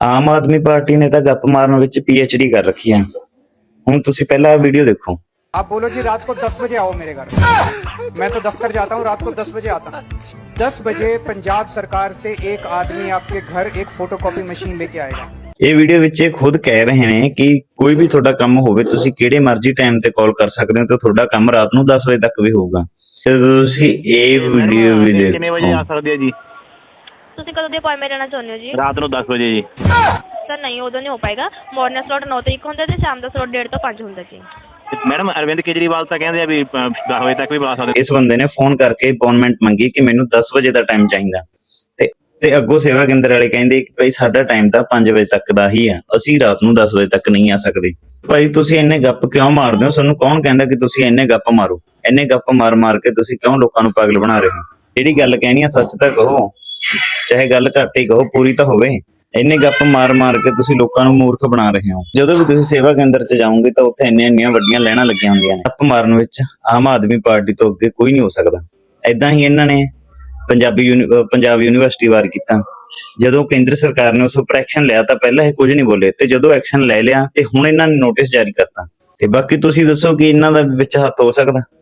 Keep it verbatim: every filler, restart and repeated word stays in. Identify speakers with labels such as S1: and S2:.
S1: ਆਮ ਆਦਮੀ party ਨੇ ਤਾਂ ਗੱਪ ਮਾਰਨ ਵਿੱਚ ਪੀ ਐਚ ਡੀ ਕਰ ਰੱਖੀ ਹੈ। ਹੁਣ ਤੁਸੀਂ ਪਹਿਲਾਂ ਵੀਡੀਓ ਦੇਖੋ।
S2: आप बोलो जी रात को दस बजे आओ मेरे घर, मैं तो दफ्तर जाता हूँ, रात को दस बजे आता हूँ। दस बजे पंजाब सरकार से एक आदमी आपके घर एक फोटोकॉपी मशीन लेके आएगा।
S1: ਇਹ ਵੀਡੀਓ ਵਿੱਚ ਇਹ ਖੁਦ ਕਹਿ ਰਹੇ ਨੇ ਕਿ ਕੋਈ ਵੀ ਤੁਹਾਡਾ ਕੰਮ ਹੋਵੇ ਤੁਸੀਂ ਕਿਹੜੇ ਮਰਜ਼ੀ ਟਾਈਮ ਤੇ ਕਾਲ ਕਰ ਸਕਦੇ ਹੋ ਤੇ ਤੁਹਾਡਾ ਕੰਮ ਰਾਤ ਨੂੰ ਦਸ ਵਜੇ ਤੱਕ ਵੀ ਹੋਊਗਾ। ਤੇ ਤੁਸੀਂ ਇਹ ਵੀਡੀਓ ਵੀ ਦੇਖੋ।
S3: ਕਿੰਨੇ ਵਜੇ ਆ ਸਕਦੇ ਆ ਜੀ?
S4: ਤੁਸੀਂ ਕਦੋਂ ਦੀ ਅਪਾਇੰਟਮੈਂਟ ਲੈਣਾ ਚਾਹੁੰਦੇ ਹੋ ਜੀ?
S3: ਰਾਤ ਨੂੰ ਦਸ ਵਜੇ ਜੀ।
S4: ਸਰ ਨਹੀਂ, ਉਦੋਂ ਨਹੀਂ ਹੋ ਪਾਏਗਾ। ਮਾਰਨਿੰਗ ਸਲੋਟ ਨੌ ਤੋਂ ਇੱਕ ਹੁੰਦਾ ਤੇ ਸ਼ਾਮ ਦਾ ਸਲੋਟ ਡੇਢ ਤੋਂ ਪੰਜ ਹੁੰਦਾ ਜੀ।
S3: ਮੈਡਮ ਅਰਵਿੰਦ ਕੇਜਰੀਵਾਲ ਤਾਂ ਕਹਿੰਦੇ ਆ ਵੀ ਦਸ ਵਜੇ ਤੱਕ ਵੀ ਬੁਲਾ ਸਕਦੇ।
S1: ਇਸ ਬੰਦੇ ਨੇ ਫੋਨ ਕਰਕੇ ਅਪਾਇੰਟਮੈਂਟ ਮੰਗੀ ਕਿ ਮੈਨੂੰ ਦਸ ਵਜੇ ਦਾ ਟਾਈਮ ਚਾਹੀਦਾ ਤੇ ਤੇ ਅੱਗੋਂ ਸੇਵਾ ਕੇਂਦਰ ਵਾਲੇ ਕਹਿੰਦੇ ਕਿ ਭਾਈ ਸਾਡਾ ਟਾਈਮ ਤਾਂ ਪੰਜ ਵਜੇ ਤੱਕ ਦਾ ਹੀ ਆ, ਅਸੀਂ ਰਾਤ ਨੂੰ ਦਸ ਵਜੇ ਤੱਕ ਨਹੀਂ ਆ ਸਕਦੇ। ਭਾਈ ਤੁਸੀਂ ਇੰਨੇ ਗੱਪ ਕਿਉਂ ਮਾਰਦੇ ਹੋ? ਤੁਹਾਨੂੰ ਕੌਣ ਕਹਿੰਦਾ ਕਿ ਤੁਸੀਂ ਇੰਨੇ ਗੱਪ ਮਾਰੋ? ਇੰਨੇ ਗੱਪ ਮਾਰ ਮਾਰ ਕੇ ਤੁਸੀਂ ਕਿਉਂ ਲੋਕਾਂ ਨੂੰ ਪਾਗਲ ਬਣਾ ਰਹੇ ਹੋ? ਜਿਹੜੀ ਗੱਲ ਕਹਿਣੀ ਆ ਸੱਚ ਤਾਂ ਕਹੋ, ਚਾਹੇ ਗੱਲ ਘੱਟ ਹੀ ਕਹੋ, ਪੂਰੀ ਤਾਂ ਹੋਵੇ। ਇੰਨੇ ਗੱਪ ਮਾਰ ਮਾਰ ਕੇ ਤੁਸੀਂ ਲੋਕਾਂ ਨੂੰ ਮੂਰਖ ਬਣਾ ਰਹੇ ਹੋ। ਜਦੋਂ ਵੀ ਤੁਸੀਂ ਸੇਵਾ ਕੇਂਦਰ 'ਚ ਜਾਓਗੇ ਤਾਂ ਉੱਥੇ ਇੰਨੀਆਂ ਇੰਨੀਆਂ ਵੱਡੀਆਂ ਲਾਈਨਾਂ ਲੱਗੀਆਂ ਹੁੰਦੀਆਂ ਨੇ। ਗੱਪ ਮਾਰਨ ਵਿੱਚ ਆਮ ਆਦਮੀ ਪਾਰਟੀ ਤੋਂ ਅੱਗੇ ਕੋਈ ਨਹੀਂ ਹੋ ਸਕਦਾ। ਏਦਾਂ ਹੀ ਇਹਨਾਂ ਨੇ ਪੰਜਾਬੀ ਪੰਜਾਬ ਯੂਨੀਵਰਸਿਟੀ ਵਾਰ ਕੀਤਾ। ਜਦੋਂ ਕੇਂਦਰ ਸਰਕਾਰ ਨੇ ਉਸ ਉੱਪਰ ਐਕਸ਼ਨ ਲਿਆ ਤਾਂ ਪਹਿਲਾਂ ਇਹ ਕੁਝ ਨਹੀਂ ਬੋਲੇ, ਤੇ ਜਦੋਂ ਐਕਸ਼ਨ ਲੈ ਲਿਆ ਤੇ ਹੁਣ ਇਹਨਾਂ ਨੇ ਨੋਟਿਸ ਜਾਰੀ ਕਰਤਾ। ਤੇ ਬਾਕੀ ਤੁਸੀਂ ਦੱਸੋ ਕਿ ਇਹਨਾਂ ਦਾ ਵਿੱਚ ਹੱਥ ਹੋ ਸਕਦਾ?